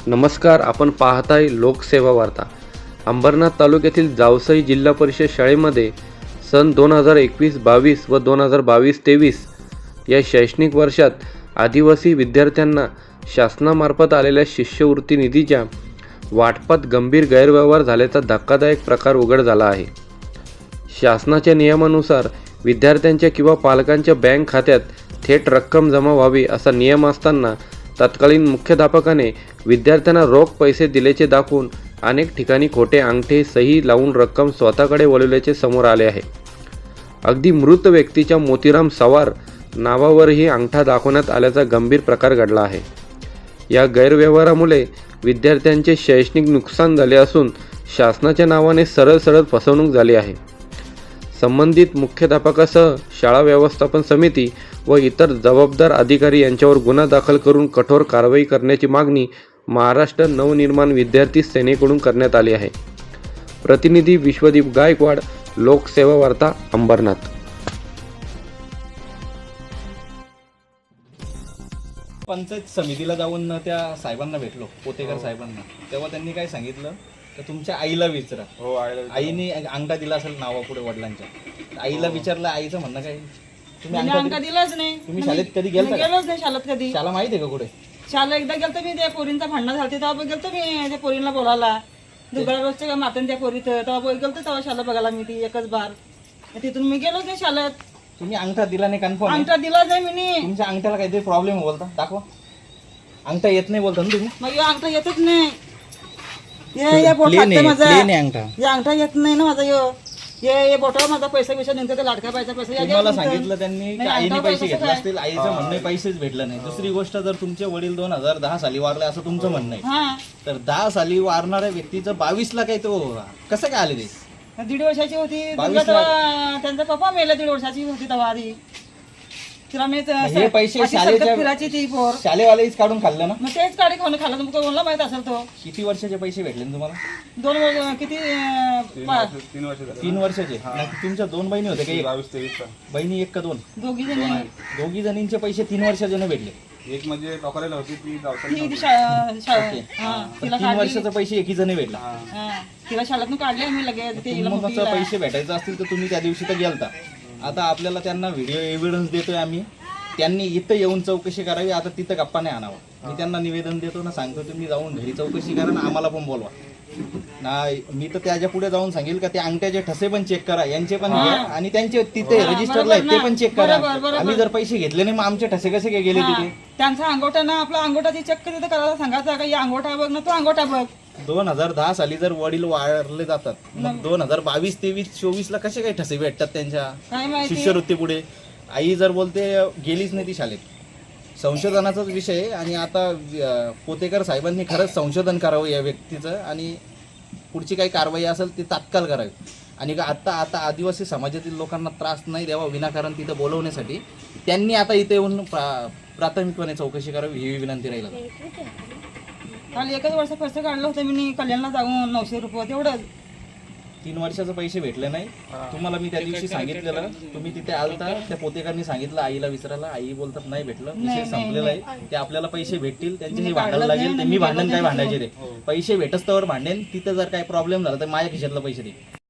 नमस्कार, आपण पाहताय लोकसेवा वार्ता. अंबरनाथ तालुक्यातील जावसई जिल्हा परिषद शाळेमध्ये सन 2021-22 व 2022-23 या शैक्षणिक वर्षात आदिवासी विद्यार्थ्यांना शासनामार्फत आलेल्या शिष्यवृत्ती निधीच्या वाटपात गंभीर गैरव्यवहार झाल्याचा धक्कादायक प्रकार उघड झाला आहे. शासनाच्या नियमानुसार विद्यार्थ्यांच्या किंवा पालकांच्या बँक खात्यात थेट रक्कम जमा व्हावी असा नियम असताना तत्कालीन मुख्याध्यापकाने विद्यार्थ्यांना रोख पैसे दिल्याचे दाखवून अनेक ठिकाणी खोटे अंगठे सही लावून रक्कम स्वतःकडे वळवल्याचे समोर आले आहे. अगदी मृत व्यक्तीच्या मोतीराम सवार नावावरही अंगठा दाखवण्यात आल्याचा गंभीर प्रकार घडला आहे. या गैरव्यवहारामुळे विद्यार्थ्यांचे शैक्षणिक नुकसान झाले असून शासनाच्या नावाने सरळ फसवणूक झाली आहे. संबंधित मुख्याध्यापकासह शाळा व्यवस्थापन समिती व इतर जबाबदार अधिकारी यांच्यावर गुन्हा दाखल करून कठोर कारवाई करण्याची मागणी महाराष्ट्र नवनिर्माण विद्यार्थी सेनेकडून करण्यात आली आहे. प्रतिनिधी विश्वदीप गायकवाड, लोकसेवा वार्ता, अंबरनाथ. पंचायत समितीला जाऊन त्या साहेबांना भेटलो, पोतेकर साहेबांना. तेव्हा त्यांनी काय सांगितलं तर तुमच्या आईला विचारा. हो, आईने अंगठा दिला असेल नावापुढे वडिलांच्या. आईला विचारलं, आईचं म्हणणं काय, तुम्ही अंगठा दिलाच नाही. तुम्ही शाळेत कधी गेलता का? गेलोच नाही शाळेत कधी. शाळा माहिती आहे का कुठे? शाळा एकदा गेलतो मी, त्या पोरींचा भांडण झालते तेव्हा गेलतो मी त्या पोरींना बोलायला. दुसऱ्या रोजच्या का मातन त्या पोरीत तेव्हा गेलतो, तेव्हा शाळा बघायला मी ती एकच बार. तिथून मी गेलोच नाही शाळेत. तुम्ही अंगठा दिला नाही कन्फर्म? अंगठा दिलाच नाही मी. तुमच्या अंगठ्याला काहीतरी प्रॉब्लेम बोलता, दाखवा. अंगठा येत नाही बोलता ना तुम्ही? मग अंगठा येतच नाही. ये बोट लागते माझा. अंगठा हे अंगठा येत नाही ना माझा. ये बोटावर माझा पैसा बिसा नेमका ते लाडका पैसा तुम्हाला सांगितलं त्यांनी की नाही, आईने अंगठा पैसे कसं घेतले काय? असतील. आईचं म्हणणं पैसेच भेटलं नाही. दुसरी गोष्ट, जर तुमचे वडील 2010 साली वारले असं तुमचं म्हणणं आहे, हा, तर 10 साली वारणाऱ्या व्यक्तीचं 22ला काय तो कसं काय आले ते? 1.5 वर्षाची होती. 22 तेव्हा त्यांचा पप्पा मेला. 1.5 वर्षाची होती तेव्हा आधी. तिला मी हे पैसे अशी शाळेच्या- सतत फिरायची ती पोर. शाळेवालेच काढून खाल्लं ना? मग तेच गाडी खाऊन खाल्ला. तुमका कोणाला माहित असेल तो. किती वर्षाचे पैसे भेटले ना तुम्हाला? 2 वर्ष किती 3 वर्ष झाले. 3 वर्षाचे. नाही, तुमच्या 2 बहिणी होत्या का? 22-23 बहिणी एक का 2? दोघी जणी. दोघी जणींचे पैसे 3 वर्षाचे भेटले. एक म्हणजे टोकरेला होती ती जावसाली ती नव्हती. तिला 3 वर्षाचे पैसे एकी जणी भेटला. तिला शाळेतून काढले आम्ही लगेच. ते हिला मग मोठीला. पैसे भेटायचे असतील तर तुम्ही त्या दिवशी तर गेलता. आता आपल्याला त्यांना व्हिडिओ एव्हिडन्स देतोय आम्ही. त्यांनी इथं येऊन चौकशी करावी. आता तिथं गप्पा नाही आणावा. मी त्यांना निवेदन देतो ना, सांगतो तुम्ही जाऊन घरी चौकशी करा ना, आम्हाला पण बोलवा. नाही, मी तर त्याच्या पुढे जाऊन सांगेल का ते अंगठ्याचे ठसे पण चेक करा, यांचे पण घ्या, आणि त्यांचे तिथे रजिस्टरला आहेत ते पण चेक करा. बरोबर. आम्ही जर पैसे घेतले नाही, मग आमचे ठसे कसे काय गेले तिथे? त्यांचा अंगोठा ना, आपला अंगोठाची चक्क तिथं करायला सांगायचा का, या अंगोठा बघ ना, तो अंगोठा बघ. 2010 साली जर वडील वारले जातात, मग 2022, 23, 24 ला कसे काही ठसे भेटतात त्यांच्या काय माहिती. शिष्यवृत्ती पुढे? आई जर बोलते गेलीच नाही ती शाळेत. संशोधनाचाच विषय आहे. आणि आता पोतेकर साहेबांनी खरंच संशोधन करावं या व्यक्तीचं, आणि पुढची काही कारवाई असेल ती तात्काळ करावी. आणि आता आदिवासी समाजातील लोकांना त्रास नाही द्यावा विनाकारण तिथं बोलवण्यासाठी त्यांनी आता इथे येऊन प्राथमिकपणे चौकशी करावी, ही विनंती राहील. काल 1 वर्ष पैसे काढलं होतं मी कल्याणला जाऊन 900 रुपये तेवढंच. 3 वर्षाचे पैसे भेटले नाही तुम्हाला. मी त्या दिवशी सांगितलेलं, तुम्ही तिथे आलता. त्या पोतेकरांनी सांगितलं आईला विचारायला, आई बोलतात नाही भेटलं, विषय संपलेला आहे. ते आपल्याला पैसे भेटतील, त्यांच्याशी भांडायला लागेल. ते मी भांडण काय भांडायचे, ते पैसे भेटस तर भांडेन. तिथं जर काही प्रॉब्लेम झाला तर माझ्या खिशातला पैसे दे.